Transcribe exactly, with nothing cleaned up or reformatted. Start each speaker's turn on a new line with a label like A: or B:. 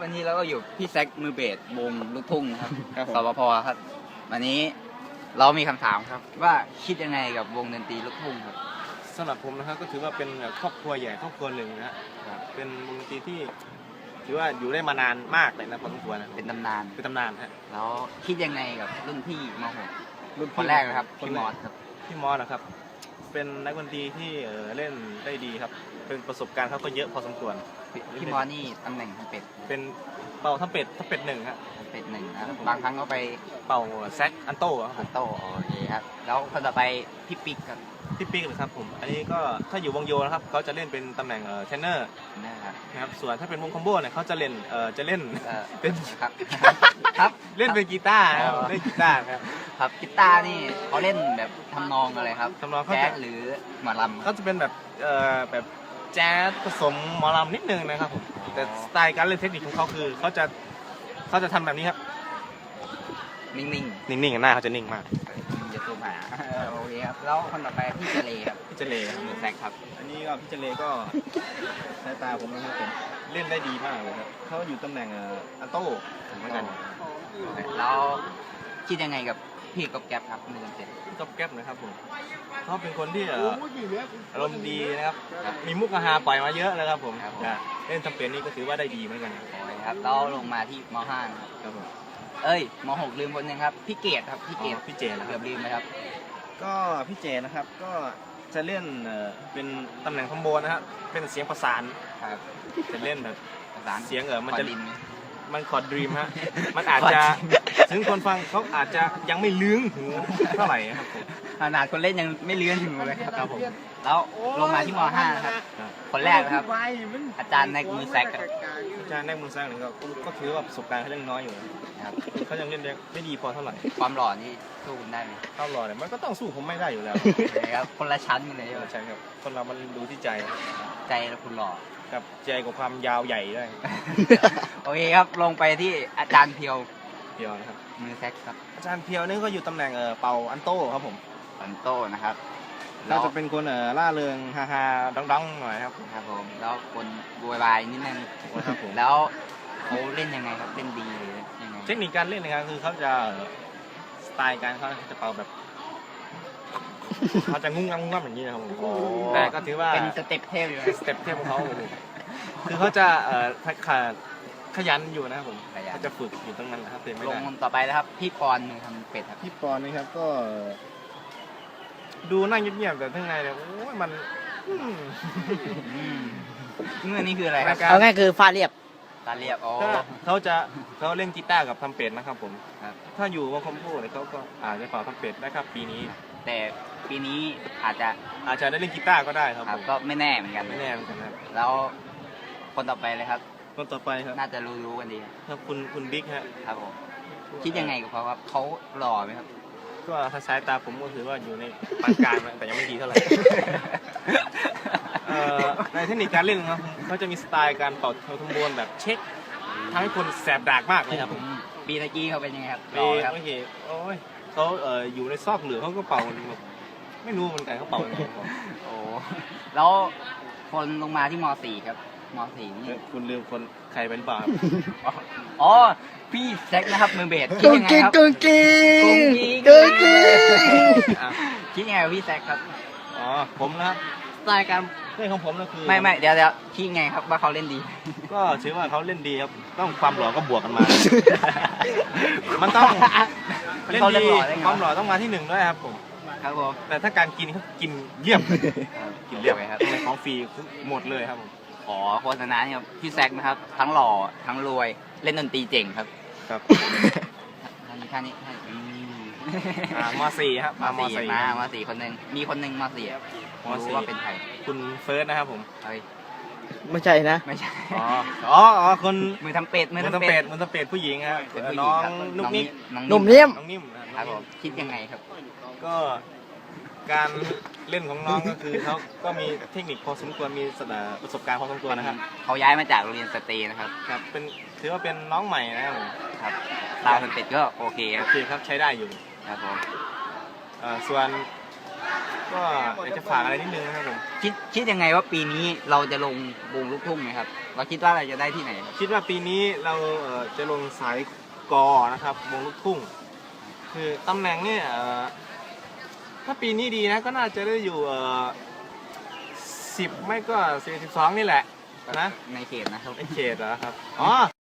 A: วันนี้เราก็อยู่พี่แซคมือเบสวงลูกทุ่งครับสปพครับวันนี้เรามีคำถามครับว่าคิดยังไงกับวงดนตรีลูกทุ่งครับ
B: สำหรับผมนะครับก็ถือว่าเป็นครอบครัวใหญ่ครอบครัวหนึ่งนะเป็นวงดนตรีที่ถือว่าอยู่ได้มานานมากเลยนะพอสมควรนะ
A: เป็นตำนาน
B: เป็นตำนานฮะ
A: แล้วคิดยังไงกับรุ่นพี่มหกรุ่นคนแรกนะครับพี่มอสครับ
B: พี่มอสนะครับเป็นนักดนตรีที่เล่นได้ดีครับเป็นประสบการณ์เขาก็เยอะพอสมควร
A: พี่มอสนี่ตำแหน่งทำเป็ด
B: เป็นเป่าทำเป็ดทำเป็ดหนึ่งครับ
A: เป็ดหนึ่งนะบางครั้งก็ไป
B: เป่าแซกอันโต้
A: อันโต้โอเคครับแล้วคนต่อไปพี่ปิ๊กครับ
B: พี่ปิ๊กเลยครับผมอันนี้ก็ถ้าอยู่วงโยนะครับเขาจะเล่นเป็นตำแหน่งเทรนเนอร์นะครับส่วนถ้าเป็นวงคอมโบเนี่ยเขาจะเล่นเอ่อจะเล่นเป็น
A: ครับครับ
B: เล่นเป็นกีตาร์ครับเล่นกีตาร์ครับ
A: ครับกีตาร์นี่เขาเล่นแบบทำนองอะไรครับ
B: ทำนอง
A: แจ๊สหรือหมอลำ
B: เขาจะเป็นแบบเอ่อแบบแจ๊สผสมหมอลำนิดนึงนะครับผมแต่สไตล์การเล่นเทคนิคของเขาคือเขาจะเขาจะทำแบบนี้ครับ
A: นิ่งๆ
B: นิ่งๆหน้าเขาจะนิ่งมาก
A: จะตัวหมาโอเคครับแล้วคนต่อไปพี่เจเลครับ
B: พี่เจเลครับ
A: มือแซกครับ
B: อันนี้ก็พี่เจเลก็สายตาผมนะครับผมเล่นได้ดีมากเลยครับเขาอยู่ตำแหน่งอัลโต้เหมือนกัน
A: แล้วคิดยังไงกับพี่ก๊อบแก๊ปครับมือเจ็ด
B: ก๊อบแก๊ปนะครับผมเขาเป็นคนที่อารมณ์ดีนะครับมีมุกฮาปล่อยมาเยอะเลยครับผมเล่นทำเป็นนี่ก็ถือว่าได้ดีเหมือนกัน
A: ครับแล้วลงมาที่ม.ห้าครับผมเอ้ยม.หกลืมคนนึงครับพี่เกดครับพี่เกด
B: พี่เจน
A: เกือบลืมไหมครับ
B: ก็พี่เจนะครับก็จะเล่นเป็นตำแหน่งคอมโบนะครับเป็นเสียงประสาน
A: ครับ
B: จะเล่นแบบ
A: ประสาน
B: เสียงเออมันจะ
A: ดิน
B: มันคอร์ดดรีมฮะมันอาจจะถึงคนฟังเขาอาจจะยังไม่ลื้งหูเท่าไหร่ครับผม
A: ขนาดคนเล่นยังไม่เลื้อนถึงเลยครับผมแล้วลงมาที่ม.ห้าครับคนแรกนะครับอาจารย์ในมือแซก
B: อาจารย์ในมือแซกนี่ก็ก็ถือว่าประสบการณ์เขาเล่นน้อยอยู่นะครับเขายังเล่นไม่ดีพอเท่าไหร่
A: ความหล่อนี่สู้ได้ไหม
B: ความหล่อเนี่ยมันก็ต้องสู้ผมไม่ได้อยู่แล้ว
A: ครับคนละชั้นกันเลย
B: ใช่ครับคนเรามันดูที่ใจ
A: ใจแล้วคุณหล่อ
B: กับใจกับความยาวใหญ่ได้
A: โอเคครับลงไปที่อาจารย์เพียว
B: เพียวนะครับ
A: มือแซกครับ
B: อาจารย์เพียวนี่ก็อยู่ตำแหน่งเออเป่าอันโต้ครับผม
A: อันโต้นะครับ
B: เราจะเป็นคนเออล่าเริงฮาฮาดังๆหน่อยครับ
A: ครับผมแล้วคนบวยวายนิดนึงครับผมแล้วเขาเล่นยังไงครับเล่นดีหรือยังไง
B: เทคนิคการเล่นนะครับคือเขาจะสไตล์การเขาจะเป่าแบบเขาจะงุ้งงังงุ้งงังอย่างนี้นะครับแต่ก็ถือว่า
A: เป็นสเต็ปเทพอยู่
B: สเต็ปเทพของเขาคือเขาจะเอ่อขยันอยู่นะครับผมเขาจะฝึกอยู่ตรงนั้นนะครับเต็มไม่ได้
A: ลงต่อไปนะครับพี่ปอนมือทำเป็ดครับ
B: พี่ปอนนี่ครับก็ดูนั่งเงียบๆแต่ข้างในเนี่ยโอ้ยมัน
A: เงื่อนนี่คืออะไรครับ
C: เอาง่ายคือฟาเรียบ
A: ฟาเรียบอ๋อ
B: เขาจะเขาเล่นกีตาร์กับทำเป็ดนะครับผมถ้าอยู่วงคอมโบเนี่ยเขาก็อาจจะเป่าทำเป็ดได้ครับปีนี้
A: แต่ปีนี้อาจจะ
B: อาจจะได้เล่นกีตาร์ก็ได้ครับ
A: ก็ไม่แน่เหมือนกัน
B: ไม่แน่เหมือนกันครับ
A: แล้วคนต่อไปเลยครับ
B: คนต่อไปครับ
A: น่าจะรู้ๆกันดี
B: ครับคุณคุณบิ๊กฮะ
A: ครับผมคิดยังไงกับเขาครับเขาหล่อไหมครับ
B: ก็ถ้าสายตาผมก็ถือว่าอยู่ในปานกลางแต่ยังไม่ดีเท่าไหร่ในเทคนิคการเล่นครับเขาจะมีสไตล์การเป่าทงบวนแบบเช็คทำให้คนแสบดากมากเลยครับผม
A: ปีตะกี้เขาเป็นยังไงครับ
B: หล่อครับไม่เห็นโอ้ยเขาเอ่ออยู่ในซอกเหลือเขาก็เป่าไม่รู้เหมือนกันเขาเป่ายังไง
A: โอ้แล้วคนลงมาที่ม.สี่ครับม.สี่นี่
B: คุณลืมคนใครเป็นเปล่า
A: อ๋อพี่แซกนะครับมือเบสคิดยังไงครับ
C: กุ๊กกิ๊ก
A: กุ๊
C: กกิ๊ก
A: คิดยังไงกับพี่แซกครับ
B: อ๋อผมนะครับสไตล์การเล่นของผมก็คือ
A: ไม่ไม่เดี๋ยวเดี๋ยวคิดไงครับว่าเขาเล่นดี
B: ก็ถือว่าเขาเล่นดีครับต้องความหล่อก็บวกกันมามันต้องเล่นดีความหล่อต้องมาที่หนึ่งด้วยครับผม
A: ครับผม
B: แต่ถ้าการกินเขากินเยี่ยมกินเยี่ยมครับของฟรีหมดเลยครับผม
A: ขอโฆษณาเนี่ยพี่แซกนะครับทั้งหล่อทั้งรวยเล่นดนตรีเจ๋งครับ
B: ครับ
A: ท่านนี้ท่านนี้
B: ม.สี่ครับ
A: ม.สี่มามสี่คนหนึ่งมีคนหนึ่งม.สี่รู้ว่าเป็นใคร
B: คุณเฟิร์สนะครับผม
C: ไม่ใช่นะ
A: ไม่ใช่
B: อ๋ออ๋อคน
A: มือทำเป็ด
B: มือทำเป็ดมือทำเป็ดผู้หญิงครับน้องนุ๊กนิก
C: นุ่มนิ่ม
B: น้องนิ่ม
A: ครับผมคิดยังไงครับ
B: ก็การเล่นของน้องก็คือเขาก็มีเทคนิคพอสมควรมีประสบการณ์พอสมควรนะครับ
A: เขาย้ายมาจากโรงเรียนสตรีนะครับ
B: ครับเป็นถือว่าเป็นน้องใหม่นะครับ
A: ครับตาเป็นเป็ดก็โอเค
B: โอเคครับใช้ได้อยู่
A: ครับผม
B: ส่วนก็อยากจะฝากอะไรนิดนึงนะครับผม
A: คิดคิดยังไงว่าปีนี้เราจะลงวงลูกทุ่งไหมครับเราคิดว่าเราจะได้ที่ไหนครับ
B: คิดว่าปีนี้เราเอ่อจะลงสายกอนะครับวงลูกทุ่ง คือตำแหน่งเนี่ยเอ่อถ้าปีนี้ดีนะก็น่าจะได้อยู่สิบไม่ก็สี่สิบสองนี่แหละนะ
A: ในเขตนะครับ
B: ในเขตเหรอครับอ๋อ